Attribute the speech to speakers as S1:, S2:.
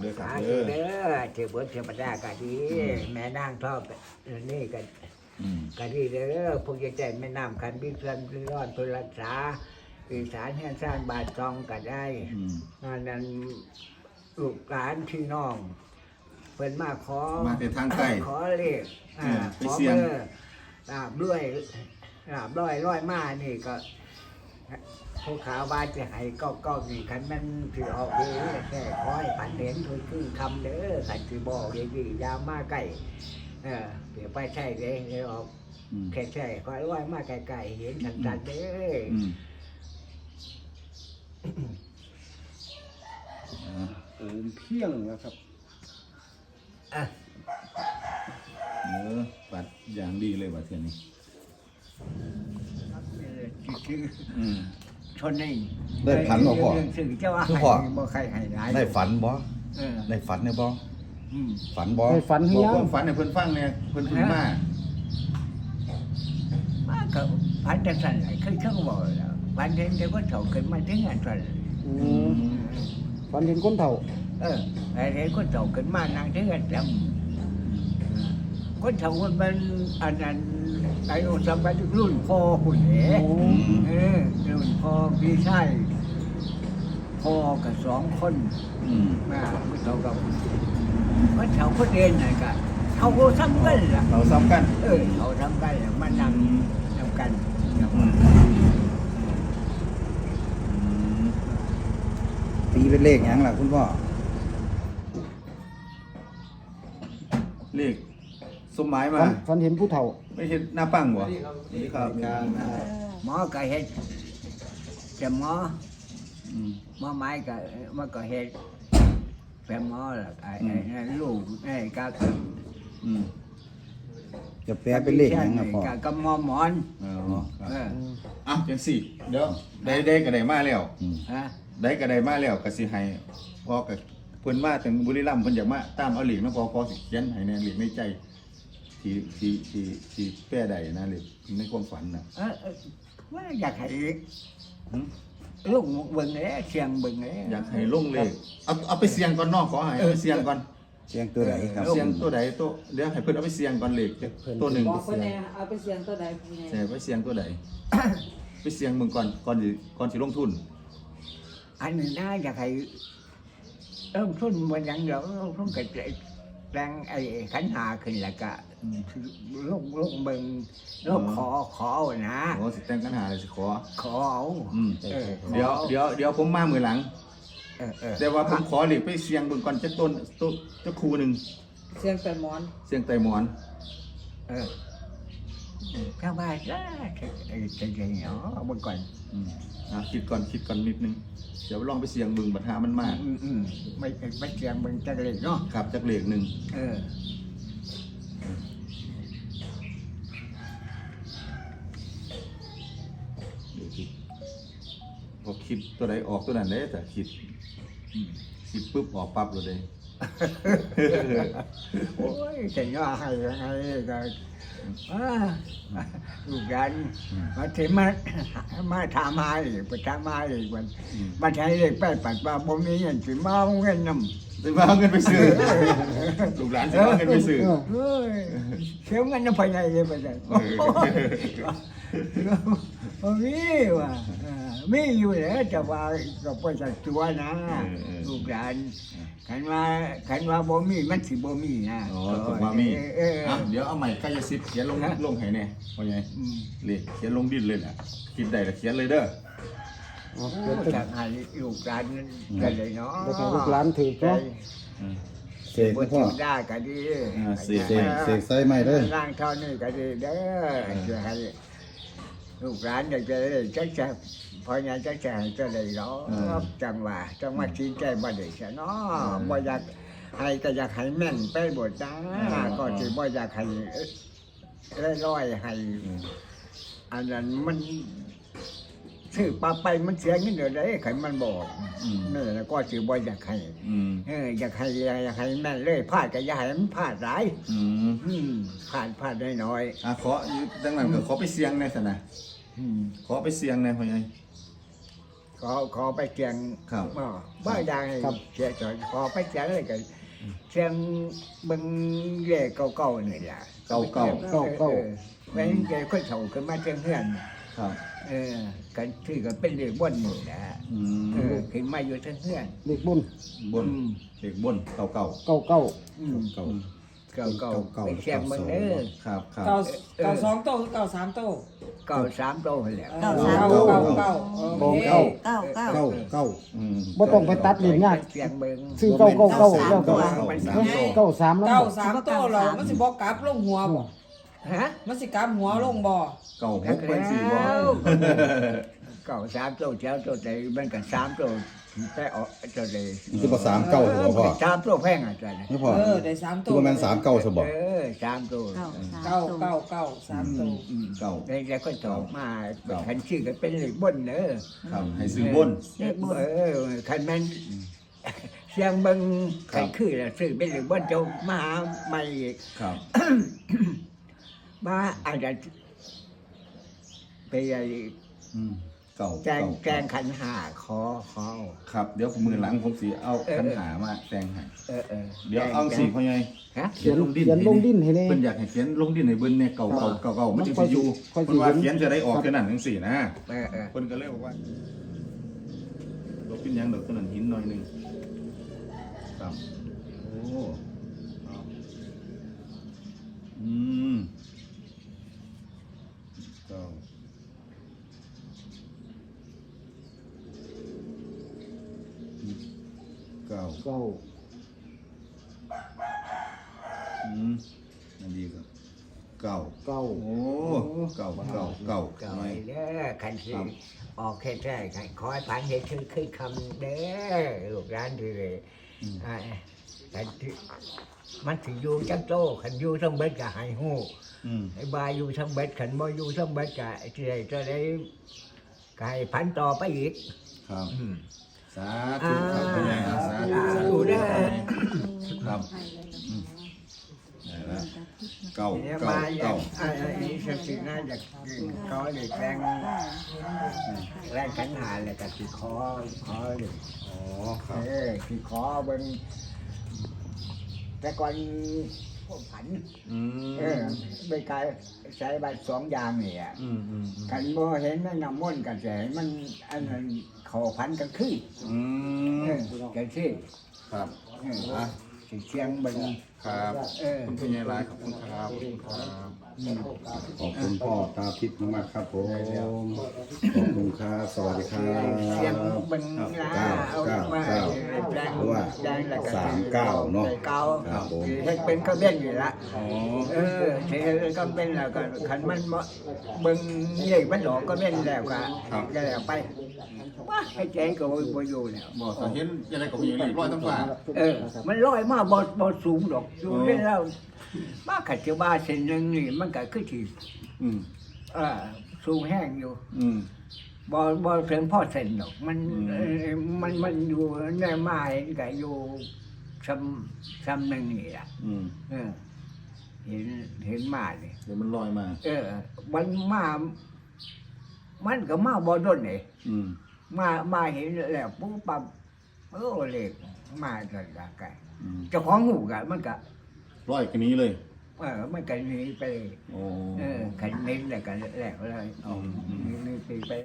S1: เด้อครับ
S2: สา
S1: เด้
S2: ธุ
S1: อ
S2: เด้อเทพบุตรเทพดาก็ดีแม่นางทองนี่ก็
S1: อืม
S2: ก็ดีเด้อพวกใจแม่น้ำคันบิเพื่อนพิรอดเพื่อรักษาอีสานแห่งสร้างบาทจองก็ได้
S1: อืม
S2: นั้นลูกหลานพี่น้องเพิ่นมาขอ
S1: มาแต่ทางใกล้
S2: ขอเลข
S1: ไป
S2: ขอ
S1: เสี่ยง
S2: เบอร์ลาบด้วยลาบร้อยมานี่ก็ผู้ขาวบาจะให้ก็นี่คันมันถือออกดีแค่ขอให้ผันเห็นคือคำเด้อขันถือบอกอย่างนี้ยาวมาใกล้เดี๋ยวไปใช่เลยเดี๋ยวออก
S1: อืม
S2: แค่ใช่ขอให้ว่ามาไกลๆเห็นชัดๆเด้อ
S1: อืม
S3: เอิมเพียงแล้วครับ
S2: อ่ะ
S1: ปัดอย่างดีเลยว่าเทียนนี้
S2: คือ
S1: อืม
S2: ชนนี่
S4: ได้ฝันบ่พ่อ
S2: เรื่องสื่อเจ้าว่า
S4: คือ
S2: ให้
S4: พ่อ
S2: บ่ใครให้หลาย
S4: ได้ฝันบ่
S2: เออ
S4: ได้ฝันเนี่ยบ่
S2: อืม
S4: ฝันบ่
S3: ได้ฝันให้
S1: บอก
S3: ยั
S1: ควาง มฝันให้เพิ่นฟังเนี่ยเพิ่นมา
S2: มาก็พันจังสั่นไหลเคยเชื่อบอกแล้วพันเห็นแต่ว่าเขาเกิดมาถึงอันสั่น
S3: อืมฝันเห็นคนเฒ่า
S2: ไอ้เห็นคนเฒ่าเกิดมานั่งถึงอันจำคนเฒ่าคนมันอันนั้นไอ้สมัยรุ่นพ่อคุณเห๋
S3: โอ้
S2: รุ่นพ่อพี่ชายพ่อกับสองคน
S1: อืม
S2: มาคนเฒ่ากับคนเฒ่าคนเรียนน่ะก็เขาก็ทำกันล่ะ
S1: เราซ้ำกัน
S2: เขาทำกันมานั่งทำกัน
S1: อืมอืม
S4: ตีเป็นเลขหยังล่ะคุณพ่อ
S1: เลขสมหมายมา
S3: ฝันเห็นผู้เฒ่า
S1: ไม่เห็นหน้าปังบ่นี่ครับ
S2: หมอก็เห็ดแต่หมอ
S1: อืม
S2: หมอไม้ก็มันก็เห็ดแต่หมอล่ะไอ้นั่นลูกไอ้ก็
S1: อืม
S4: จะแปลเป็นเลขหยังล่ะพ่อ
S2: ก็หมอหมอน
S1: อ๋อครับ
S2: เออ
S1: อ่ะจังสี่เดี๋ยวได้ก็ได้มาแล้ว
S4: อืม
S2: ฮะ
S1: ได้ก็ได้มาแล้วก็สิให้พ่อกับเพิ่นมาถึงบุรีรัมย์เพิ่นอยากมาตามเอาเหล็กนะพอสิเขียนให้ในเหล็กในใจที่แป้ใดนะเหล็กในความฝันน่ะ
S2: ว่าอยากให้
S1: หึ
S2: ลูกเบิ่งเลยเสียงเบิ่งเลย
S1: อยากให้ลงเลขเอาไปเสี่ยงก่อนเนอกขอให้เอาไปเสี่ยงก่อน
S4: เสียงตัวใดครับ
S1: เสี่ยงตัวใดตัวเดี๋ยวให้เพิ่นเอาไปเสี่ยงก่อนเลขตัวหนึ่ง
S5: บอกคนแน่เอาไปเสียงตัวใดคนแน่
S1: ใช่ไปเสี่ยงตัวใดไปเสี่ยงมึงก่อนสิลงทุน
S2: อันนี้น่าอยากให้เริ่มทุนบนยังเดี๋ยวเริ่มทุนกับแรงไอ้ขันหาขึ้นแล้วก็ลูกเบิ่งลูกขอเอานะ
S1: โอ้สิแต่งกันหาเลยสิขอ
S2: ขอเอา
S1: อืม
S2: เออ
S1: เดี๋ยวผมมามือหลัง
S2: เออ
S1: แต่ว่าผมขอเหล็กไปเสี่ยงเบิ่งก่อนจักต้นจักคูหนึง
S5: เสียงแต่หมอน
S1: เสียงไตหมอน
S2: เออข้างบ้านจ้าจะเหนียวเอาเบิ่งก่อน
S1: คิดก่อนนิดนึง เดี๋ยวลองไปเสียงเบึงบัดหามันมาก
S2: ไม่เสียงเบิ่งจังเลยเนาะ
S1: ครับจากเหล็กหนึ่ง
S2: เออ
S1: เดี๋ยวคิดพอคิดตัวใดออกตัวนั้นได้แต่คิดปุ๊บออกปั๊บเลย
S2: โอ้ยแต่ย่อให้ก็ลูกยันมาถึงมาถามหาอีกไปถามหาอีกวันมาใช้เลขแปดปัดว่าบ่มีเงินสิมาเอาเงินนำ
S1: ไปมาเอาเงินไปซื้อลูกหลานจะเอาเงินไปซื้อ
S2: เฮ้ยเสียเงินน้ำพายเลยไปเลยมีว่ะมีอยู่แล้วจะว่าก็ไปจากตัวนะลูกหลานขันว่าบ่มีมันสิบ่มีนะ
S1: อ๋อตกมามีเดี๋ยวเอาใหม่กายสิทธิ์เขียนลงให้แน่ว่าไงเลขเขียนลงดินเลยแหละคิดได้แล้วเขียนเลยเด้อ
S2: จากให้ลูกหลานกันเลยเนาะ
S3: แล้วก็ลูกหลานถือเนาะ
S4: เสกคุณพ่อ
S2: ได้ก็ดี
S1: เสีย
S4: เสกใส่ไม้เด้อ
S2: ร่างเท่านี้ก็ดีเด้อจะให้ลูกหลานอยากจะได้จักจะพอยังจักจะให้จะได้เนาะจังว่าจังว่าชี้ใจบ่ได้ซะเนาะบ่อยากให้ก็อยากให้แม่นไปหมดจ้าก็สิบ่อยากให้ร้อยให้อันนั้นมันซื้อปลาไปมันเสียเงินเดือนได้ใครมันบอกนี่แล้วก็สิบ่อยากให้อยากให้แม่นเลยพลาดก็อย่าให้มันพลาดหลายพลาดน้อย
S1: ขอดังนั้นก็ขอไปเสียงในสนะ
S2: ๆ
S1: ขอไปเสียงในพ่อใหญ่
S2: ขขอไปเสียง
S1: ครับ
S2: บ้าดังเสียจอยขอไปเสียงอะไรกันเสียงเบิ่งเย่เก่าๆนี่แหละ
S1: เก่า
S3: เก้าเก้า
S2: แม่งแกค่อยเฒ่าขึ้นมาเชียงเฮือน
S1: ครับ
S2: กันที่ก็เป็นเด็กบ่นนี่แหละ
S1: อืม
S2: ขึ้นมาอยู่เชียงเฮือน
S3: เด็กบุญ
S1: บนเด็กบนเก่า
S3: เก้าเก้า
S4: เก่า
S2: เก่าไปเชียงเบิ่งเด้อ
S1: ๆครับครับ
S5: เก้าเก้าสองโต๊ะเก้าสามโต๊ะ
S2: เก่า3โตแล้ว
S5: เก้าสามเก้าเก้าโอเค
S3: เก้า
S6: เก้า
S4: เก้าเก้า
S1: อืม
S3: บ่ต้องไปตัดเหรียญยาก
S2: เชียงเบิ่ง
S3: ซื้อเก้าเก้าเก้าแล้วก็
S1: เก้าสาม
S3: เก้าสามแล้ว
S5: เก้าสามโต๊ะเรามันสิบ่กลับลงหัวบ่
S2: ฮะ
S5: มันสิกลับหัวลงบ่
S1: เก่าหกเป็นสี่บ่
S2: เก่า3โตเจ้าโตใจมันก็3โตแต่ออกโตเลย
S4: คือภาษามเก้าเหรอพ่อ
S2: 3โตแพงอ่ะจ้ะ
S4: นี่พ่อ
S5: ได้สาม
S4: คื
S5: โต๊ะ
S4: อว่าแม่นสามเก้าสบอ
S2: 3โต
S6: เก้า
S5: เก้าเก้าสามโต๊ะ
S1: เก่า
S2: ได้แล้วก็ตอบมาคันชื่อก็เป็นเลขบนเด้อ
S1: ครับให้ซื้อบน
S6: เลขบุญ
S2: คันแม่นเสียงเบิ่งคันคือแล้วซื้อเป็นเลขบนเจ้ามาหาใหม่อีก
S1: ครับ
S2: มาอาจจะไปไอ้
S1: อืมเก่า
S2: แจง
S1: เก่า
S2: แจงขันหาขอ
S1: ครับเดี๋ยวมือหลังผมสิเอาคันหามาแต่งให้
S2: ๆ
S1: เดี๋ยวเอาสิพ่อใหญ่
S2: ฮะ
S3: เขียนลงดิ้นให้แน่
S1: เพิ่นอยากให้เขียนลงดินให้เบิ่นเนี่ยเก่ามันจึงสิอยู่
S3: ค่อยสิ
S1: เพิ่นว่าเขียนจะได้ออกแค่นั้นจังซี่นะ
S2: เออ
S1: เพิ่นก็เลยบอกว่าบ่เป็นหยังดอกเท่านั้นหินหน่อยหนึงครับโอ้ครับอืมเก้าเก้า
S3: เก้า
S1: อันนี้ก็เก้า
S3: เก้า
S1: โอ้เก้าเก้าเก้า
S2: เก่า
S1: หน่อย
S2: เด้อคันสิออกแค่แท้คันขอให้ผ่านเฮ็ดคือคำเด้อลูกหลานที่เลยคันที่มันสิอยู่จังโตคันอยู่ทั้งเบิดก็ให้ฮู้
S1: อืม
S2: ไอ้บายอยู่ทั้งเบ็ดขันบ่อยู่ทั้งเบ็ดก็สิได้จะได้ก็ให้พันต่อไปอีก
S1: ครับ
S2: อืม
S1: สาธุครับพ่อใหญ่ครับสาธุสาธุ
S2: เด้อ
S1: ครับได้แล้วเก้า
S2: เนี่ย
S1: เก้า
S2: มาอยา
S1: เก้าก
S2: อันนี้สักสิน่าอยากขอเลยแรงขันหาเลยก็สิขอเลย
S1: อ๋อครับ
S2: สิขอเบิ่งแต่ก่อนผมผัน
S1: อืม
S2: ไปกายใช้บัตร2อย่างนี่อ่ะ
S1: อืมอืม
S2: คันบ่เห็นแม่น้ำมนต์กันแสมันอันนั้นเข้าพันกันคือ
S1: อืม
S2: กันซี่
S1: ครับ
S2: อ่ะสิเชียงเบิ่ง
S1: ครับ
S2: เออ
S1: คุณพ่อใหญ่หลายขอบคุณครับครับ
S4: ขอบคุณพ่อตาทิพย์มากๆครับผมขอบคุณครับสวัสดีครั
S2: เชียง
S4: บ
S2: เบิ่งลาเอามาแปลง
S4: เพราะว่า
S2: แปลงแล้วก็
S4: 39เนาะ
S2: เก้า
S4: ครับผม
S2: เฮ็ดเป็นก็เบี้ยนอยู่ละ
S1: อ๋อ
S2: สิเฮ็ดเป็นก็เป็นแล้วก็คันมันบ่เบิ่งเลขมันออกก็เบี้ยนแล้วก็ก็แล้วไปว่าให้แจ้งก็บ่อยู่แล้ว
S1: บอกถ้าเห็นอะไรก็มีเรียบร้อยทั้งฝ่า
S2: มันลอยมาบ่สูงดอกอยู่ได้แล้วมาขัดจะว่าเส้นหนึงนี่มันก็คือสิ
S1: อืม
S2: สูงแห้งอยู่
S1: อืม
S2: บ่ถึงพ่อเส้นดอกมัน
S1: อืม
S2: มันอยู่ในไม้ก็อยู่ซ้ำหนึงนี่ล่ะ
S1: อืม
S2: เห็นมานี่
S1: เดี๋ยวมันลอยมา
S2: มันมามันก็มาบ่ดนนี่
S1: อืม
S2: มาเห็นแล้วปุ๊บปั๊บเลขมาจนละกัน
S1: อืม
S2: เจ้าของหูก็มันก็
S1: ลอยกันนี้เลย
S2: มันก็หนีไปเลย
S1: โอ้
S2: คันนี้แหละกันแล้วเลย
S1: อืม
S2: หนี่ไป